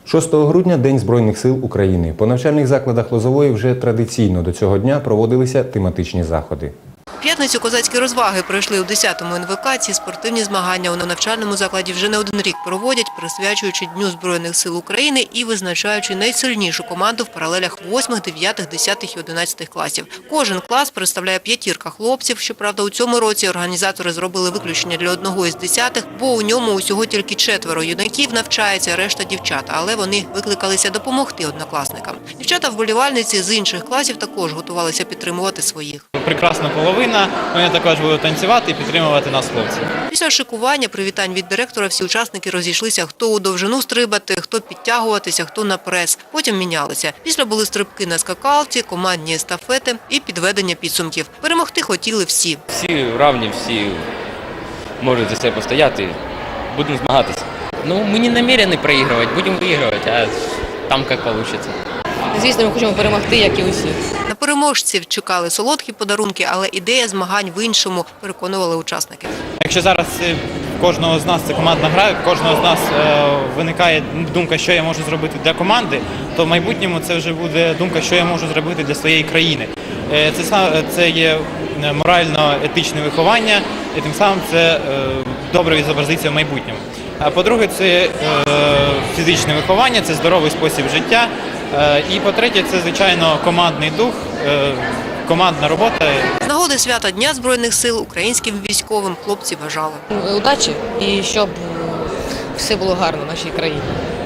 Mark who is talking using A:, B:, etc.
A: 6 грудня – День Збройних сил України. По навчальних закладах Лозової вже традиційно до цього дня проводилися тематичні заходи.
B: В п'ятницю козацькі розваги пройшли у 10-му НВК. Ці спортивні змагання у навчальному закладі вже не один рік проводять, присвячуючи Дню Збройних сил України і визначаючи найсильнішу команду в паралелях 8, 9, 10 і 11 класів. Кожен клас представляє п'ятірка хлопців. Щоправда, у цьому році організатори зробили виключення для одного із 10-х, бо у ньому усього тільки 4 юнаків навчається, решта дівчата. Але вони викликалися допомогти однокласникам. Дівчата-вболівальниці з інших класів також готувалися підтримувати своїх.
C: Прекрасна половина. Вони також будуть танцювати і підтримувати нас, хлопців.
B: Після шикування, привітань від директора, всі учасники розійшлися, хто у довжину стрибати, хто підтягуватися, хто на прес. Потім мінялися. Після були стрибки на скакалці, командні естафети і підведення підсумків. Перемогти хотіли всі.
D: Всі рівні, всі можуть за себе постояти. Будемо змагатися. Ми не намірені проігрувати, будемо вигравати, а там як вийде.
E: Звісно, ми хочемо перемогти, як і усі.
B: На переможців чекали солодкі подарунки, але ідея змагань в іншому, переконували учасники.
C: Якщо зараз в кожного з нас це командна гра, в кожного з нас виникає думка, що я можу зробити для команди, то в майбутньому це вже буде думка, що я можу зробити для своєї країни. Це є морально-етичне виховання, і тим самим це добре відобразиться в майбутньому. А по-друге, це фізичне виховання, це здоровий спосіб життя. І по-третє, це, звичайно, командний дух, командна робота.
B: З нагоди свята Дня Збройних сил українським військовим хлопці бажали
E: Удачі і щоб все було гарно в нашій країні.